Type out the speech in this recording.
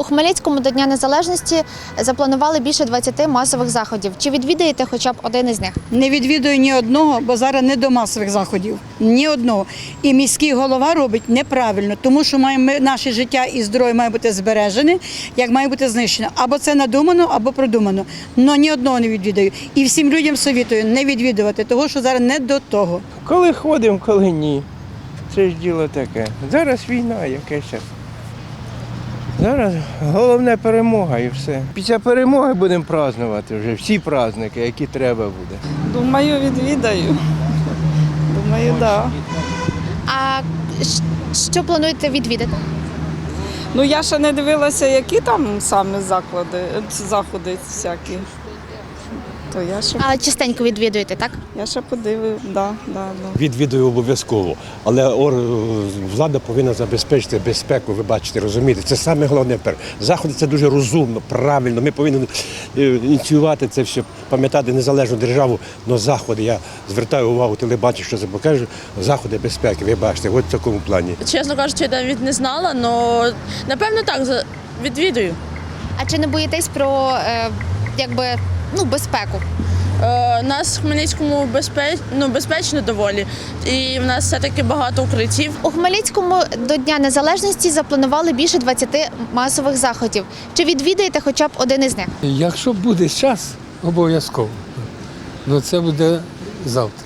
У Хмельницькому до Дня Незалежності запланували більше 20 масових заходів. Чи відвідаєте хоча б один із них? Не відвідую ні одного, бо зараз не до масових заходів. Ні одного. І міський голова робить неправильно, тому що наше життя і здоров'я має бути збережене, як має бути знищено. Або це надумано, або продумано. Но ні одного не відвідаю. І всім людям совітую не відвідувати, тому що зараз не до того. Коли ходимо, коли ні. Це ж діло таке. Зараз війна, яке ще. Зараз головне перемога і все. Після перемоги будемо празднувати вже всі праздники, які треба буде. Думаю, відвідаю. Думаю, так. А що плануєте відвідати? Ну, я ще не дивилася, які там саме заходи всякі. То Але частенько відвідуєте, так? я ще подивлю, да. Відвідую обов'язково, але влада повинна забезпечити безпеку, ви бачите, розумієте. Це саме головне. Заходи – це дуже розумно, правильно. Ми повинні ініціювати це все, пам'ятати незалежну державу, але заходи, я звертаю увагу телебачення, що це покаже, заходи безпеки, ви бачите, от в такому плані. Чесно кажучи, я навіть не знала, але напевно так, відвідую. А чи не боїтесь про безпеку? Нас в Хмельницькому безпечно доволі, і в нас все-таки багато укриттів. У Хмельницькому до Дня Незалежності запланували більше 20 масових заходів. Чи відвідаєте хоча б один із них? Якщо буде час, обов'язково. Ну це буде завтра.